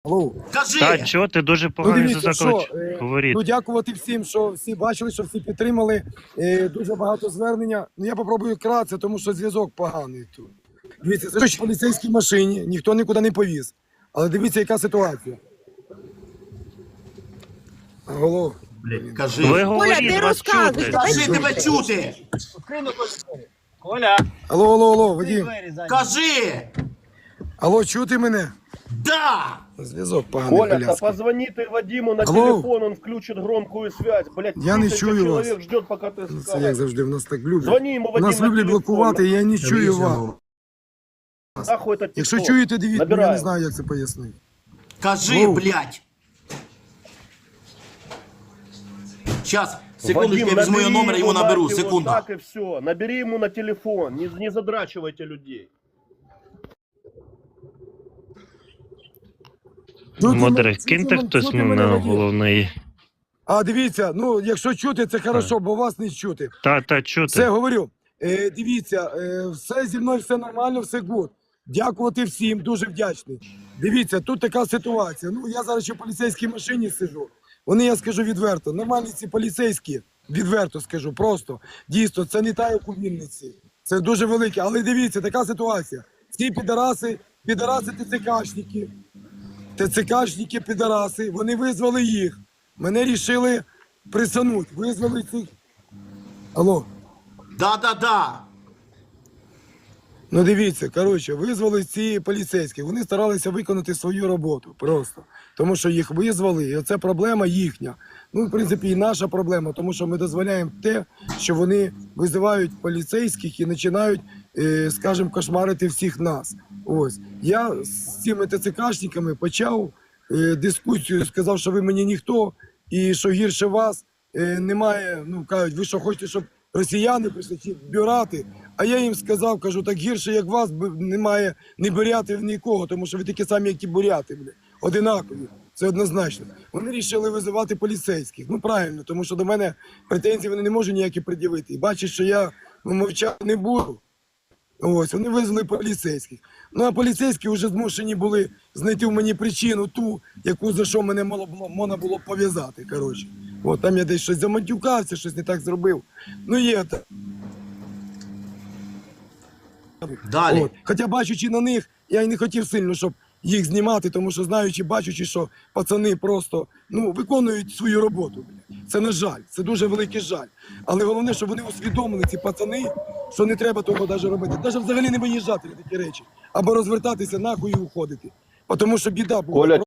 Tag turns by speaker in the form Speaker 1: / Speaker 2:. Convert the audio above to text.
Speaker 1: Алло.
Speaker 2: Кажи!
Speaker 3: Та чого ти дуже поганий
Speaker 1: дивіться,
Speaker 3: заклад
Speaker 1: що,
Speaker 3: говорити.
Speaker 1: Ну, дякувати всім, що всі бачили, що всі підтримали. Дуже багато звернення. Ну, я попробую вкратце, тому що зв'язок поганий тут. Дивіться, це ж в поліцейській машині, ніхто нікуди не повіз. Але дивіться, яка ситуація. Алло.
Speaker 2: Кажи.
Speaker 3: Ви
Speaker 4: Коля,
Speaker 3: говоріть,
Speaker 4: ти
Speaker 3: вас
Speaker 4: розказуй.
Speaker 3: чути.
Speaker 2: Кажи, тебе чути!
Speaker 5: Коля,
Speaker 1: Алло, Вадим.
Speaker 5: двері зайняті.
Speaker 2: Кажи!
Speaker 1: Алло, чути мене?
Speaker 2: Да!
Speaker 1: Зв'язок поганий,
Speaker 6: Коля, да
Speaker 1: бляска.
Speaker 6: позвони ты Вадиму на
Speaker 1: Алло.
Speaker 6: телефон, он включит громкую связь. Блядь,
Speaker 1: Я не
Speaker 6: 1000
Speaker 1: чую
Speaker 6: человек
Speaker 1: вас.
Speaker 6: ждет, пока ты
Speaker 1: Це як
Speaker 6: скажешь.
Speaker 1: завжди, в нас так люблять.
Speaker 6: Звони ему,
Speaker 1: У
Speaker 6: Вадим,
Speaker 1: нас
Speaker 6: на
Speaker 1: люблять
Speaker 6: телефон.
Speaker 1: блокувати, я не чую вас.
Speaker 6: Нахуй это
Speaker 1: Якщо
Speaker 6: TikTok.
Speaker 1: чуєте, дивіться, я не
Speaker 6: Набираем.
Speaker 1: знаю, як це пояснити.
Speaker 2: Кажи,
Speaker 1: Ну.
Speaker 2: блядь! Сейчас, секундочку, я
Speaker 6: Вадим,
Speaker 2: візьму його
Speaker 6: набери
Speaker 2: номер, його
Speaker 6: ему
Speaker 2: наберу,
Speaker 6: нахуй,
Speaker 2: секунду.
Speaker 6: Вот так и все. Набери ему на телефон, не задрачивайте людей.
Speaker 3: Модер, киньте хтось на головний.
Speaker 1: А дивіться, ну якщо чути, це хорошо, бо вас не чути.
Speaker 3: Та
Speaker 1: Все,
Speaker 3: чути.
Speaker 1: говорю. Дивіться, все зі мною, все нормально, все гуд. Дякувати всім, дуже вдячний. Дивіться, тут така ситуація. Ну, я зараз ще в поліцейській машині сиджу. Вони, я скажу відверто, нормальні ці поліцейські, відверто скажу, просто. Дійсно, це не та, як у Вінниці. Це дуже велике. Але дивіться, така ситуація. Ці підараси ТЦКшники, підараси, вони визвали їх. Мене рішили присануть. Визвали цих. Алло.
Speaker 2: Да.
Speaker 1: Ну дивіться, коротше, визвали ці поліцейські. Вони старалися виконати свою роботу просто. Тому що їх визвали, і оце проблема їхня. Ну, в принципі, і наша проблема, тому що ми дозволяємо те, що вони визивають поліцейських і починають, скажімо, кошмарити всіх нас. Ось. Я з цими ТЦКшниками почав дискусію, сказав, що ви мені ніхто, і що гірше вас немає, ну, кажуть, ви що хочете, щоб росіяни прийшли чи бюрати? А я їм сказав, кажу, так гірше, як вас, немає ні бурятів, нікого, тому що ви такі самі, як ті буряти, одинакові, це однозначно. Вони вирішили визивати поліцейських, ну правильно, тому що до мене претензій вони не можуть ніякі пред'явити. І бачать, що я мовчати не буду. Ось, вони визвали поліцейських. Ну, а поліцейські вже змушені були знайти в мені причину ту, яку за що мене можна було пов'язати, коротше. От, там я десь щось заматюкався, щось не так зробив. Ну, є так.
Speaker 2: Далі.
Speaker 1: От. Хоча бачучи на них, я й не хотів сильно, щоб їх знімати, тому що знаючи, бачучи, що пацани просто виконують свою роботу. Це на жаль, це дуже великий жаль. Але головне, щоб вони усвідомили, ці пацани, що не треба того навіть робити. Навіть взагалі не виїжджати на такі речі. Або розвертатися нахуй і уходити. Тому що біда була.
Speaker 6: Коля,